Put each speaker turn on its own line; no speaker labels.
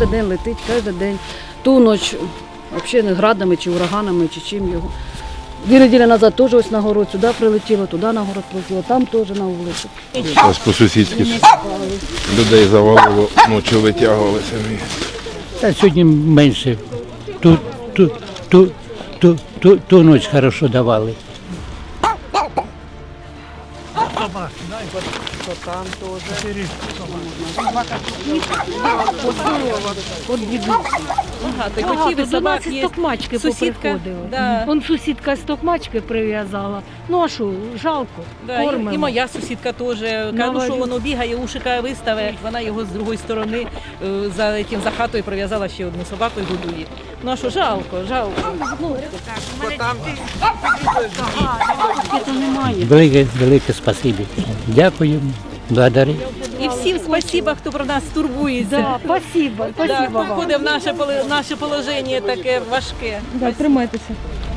кожен день летить, кожен день. Ту ніч взагалі не градами чи ураганами, чи чим його. 2 неділі назад теж ось на город сюди прилетіло, туди на город прилетіло, там теж на вулицю.
Ось по-сусідськи людей завалило, ночі витягували самі.
Та сьогодні менше. Ту ніч хорошо давали.
Ти хотів,
до нас із Токмачки поприходили.
Да.
Вон сусідка з Токмачки прив'язала. Ну а що, жалко,
Да,
кормимо.
і моя сусідка теж. Кажу, що воно бігає, ушика виставить, вона його з другої сторони за хатою прив'язала ще одну собаку і годує. Ну а що, жалко.
Велике спасибі. Дякуємо, благодарю.
І всім спасіба, хто про нас турбується.
Да, спасибо,
Да,
спасибо
хто
вам.
входить в наше положення таке важке.
Да, тримайтеся.